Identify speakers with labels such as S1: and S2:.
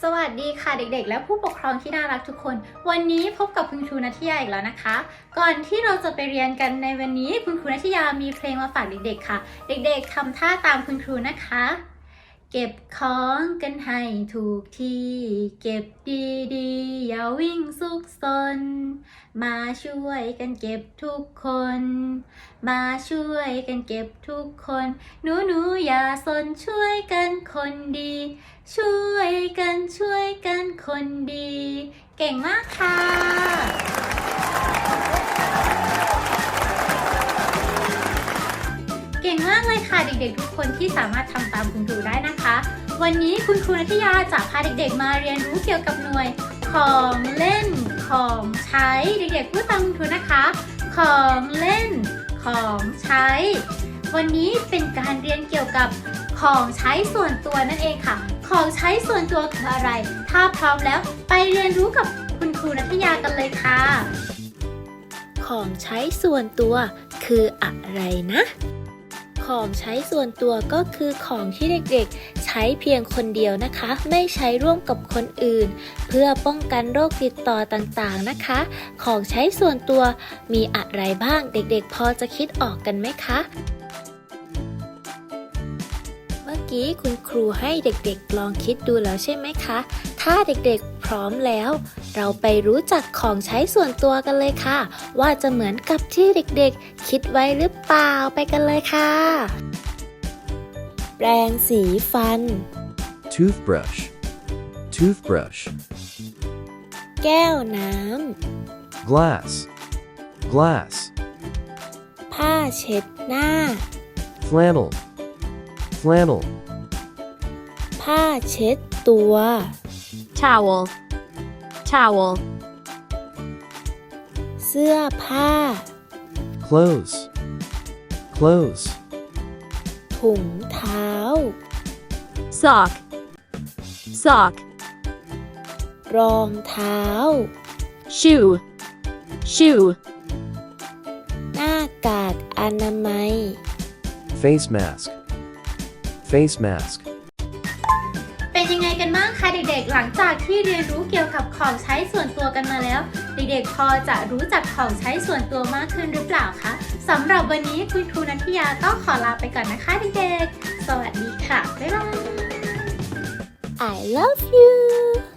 S1: สวัสดีค่ะเด็กๆและผู้ปกครองที่น่ารักทุกคนวันนี้พบกับคุณครูณัฐยาอีกแล้วนะคะก่อนที่เราจะไปเรียนกันในวันนี้คุณครูณัฐยามีเพลงมาฝากเด็กๆค่ะเด็กๆทำท่าตามคุณครูนะคะเก็บของกันให้ถูกที่เก็บดีๆอย่าวิ่งซุกซนมาช่วยกันเก็บทุกคนมาช่วยกันเก็บทุกคนหนูอย่าสนช่วยกันคนดีช่วยกันคนดี เก่งมากค่ะเก่งมากเลยค่ะเด็กๆทุกคนที่สามารถทำตามคุณครูได้นะคะวันนี้คุณครูณัฐยาจะพาเด็กๆมาเรียนรู้เกี่ยวกับหน่วยของเล่นของใช้เด็กๆพูดตามคุณครูนะคะของเล่นของใช้วันนี้เป็นการเรียนเกี่ยวกับของใช้ส่วนตัวนั่นเองค่ะของใช้ส่วนตัวคืออะไรถ้าพร้อมแล้วไปเรียนรู้กับคุณครูณัฐยากันเลยค่ะ
S2: ของใช้ส่วนตัวคืออะไรนะของใช้ส่วนตัวก็คือของที่เด็กๆใช้เพียงคนเดียวนะคะไม่ใช้ร่วมกับคนอื่นเพื่อป้องกันโรคติดต่อต่างๆนะคะของใช้ส่วนตัวมีอะไรบ้างเด็กๆพอจะคิดออกกันไหมคะเมื่อกี้คุณครูให้เด็กๆลองคิดดูแล้วใช่ไหมคะถ้าเด็กๆพร้อมแล้วเราไปรู้จักของใช้ส่วนตัวกันเลยค่ะว่าจะเหมือนกับที่เด็กๆคิดไว้หรือเปล่าไปกันเลยค่ะแปรงสีฟัน
S3: toothbrush toothbrush
S2: แก้วน้
S3: glass glass
S2: ำผ้าเช็ดหน้า
S3: flannel flannel
S2: ผ้าเช็ดตัว
S4: towel towel
S2: เสื้อผ้า
S3: clothes clothes
S2: ถุงเท้า
S4: sock sock
S2: รองเท้า
S4: shoe shoe
S2: หน้ากากอนามัย
S3: face mask face mask
S1: เป็นยังไงกันบ้างคะเด็กๆหลังจากที่เรียนรู้เกี่ยวกับของใช้ส่วนตัวกันมาแล้วเด็กๆพอจะรู้จักของใช้ส่วนตัวมากขึ้นหรือเปล่าคะสำหรับวันนี้คุณครูณัฐยาต้องขอลาไปก่อนนะคะเด็กๆสวัสดีค่ะบ๊ายบาย
S2: I love you